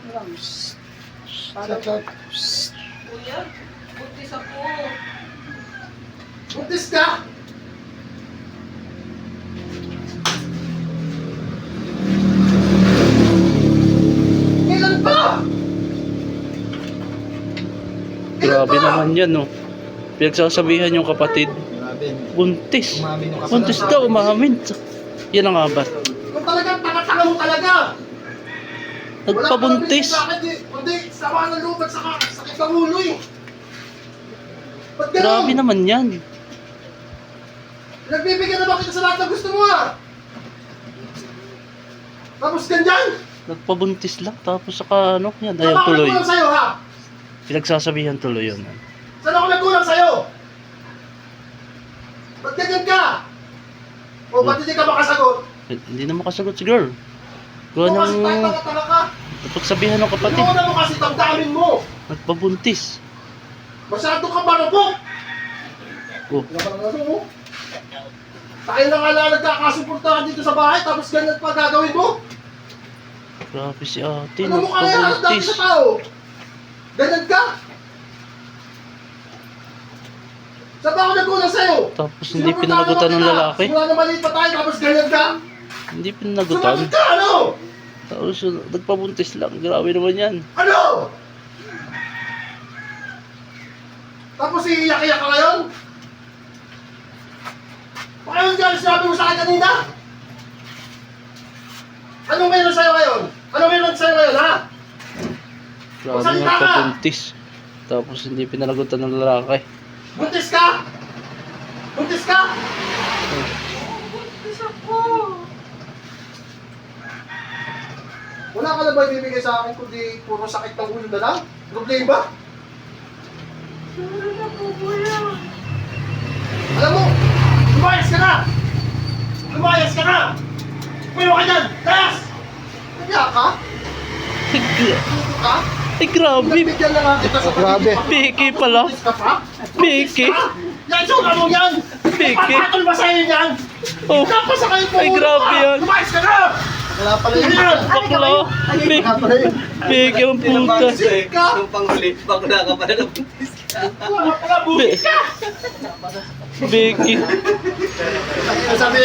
Kuya, buntis ako. Buntis ka? Kailan pa? Grabe naman yan, no. Pinagsasabihan yung kapatid. Grabe. Buntis. Umamin yung Buntis daw, umamin. Yan ang abat. Kung talagang tanga-tanga mo talaga. Nagpabuntis. Kundi, sama ng loob at saka sakit ng ulo eh. Ba't ganun? Grabe naman yan. Nagbibigyan na ba kita sa lahat ng gusto mo ah? Tapos ganyan? Nagpabuntis lang. Tapos saka ano, yan. Ayan Saan ako tuloy. nagkulang sa'yo ha? Pinagsasabihan tuloy yun. Saan ako nagkulang sa'yo? Ba't ganyan ka? O ba't hindi ka makasagot? Hindi na makasagot si girl. Gawa O kasi tayo ng tanga-tanga ka. napagsabihan ng kapatid. Inuuna mo kasi damdamin mo. Nagpabuntis. Masyado ka marupok. Oh, Wala pa naman mo. Tayo na nga lang nagkakasuportahan dito sa bahay tapos ganyan pa gagawin mo? grabe si ate. Ano mo kaya dati Nagpabuntis. sa tao? Ganyan ka? Saan ba ako nagkulang sa'yo? Tapos hindi pinanagutan ng lalaki. Simula na maliit pa tayo tapos ganyan ka? Hindi pinanagutan. Sumagot ka ano? Tapos nagpabuntis lang. Grabe naman yan. Ano? Tapos iiyak-iyak ka ngayon? Baka yun dyan sinabi mo sa akin kanina? Anong meron sa'yo ngayon? Anong meron sa'yo ngayon ha? Grabe Magsalita ka! nagpabuntis. Tapos hindi pinanagutan ng lalaki. Buntis ka? Buntis ka? Buntis ako. Wala ka na ba ibibigay sa akin kundi puro sakit ng ulo na lang? Problema? Sorry na po, kuya. Alam mo, lumayas ka na! Lumayas ka na! Puyo ka dyan! Layas! Nagya ka? Puto ka? Ay, grabe. Pinagbigyan na nga kita sa pagiging Biki pala. Buntis ka pa? Biki. Buntis ka? Yan, sura mo yan! Biki. Ipapatol ba sa'yo yan? Oh, Napasakay po! ay, grabe yan. Lumayas ka na! Wala pala yun. bakla. Biki. Wala pala yun. Biki ang puta. Buntis ka! Yung panghuli, bakla ka pala ng buntis ka. Wala pala, buntis ka! Biki. Sabi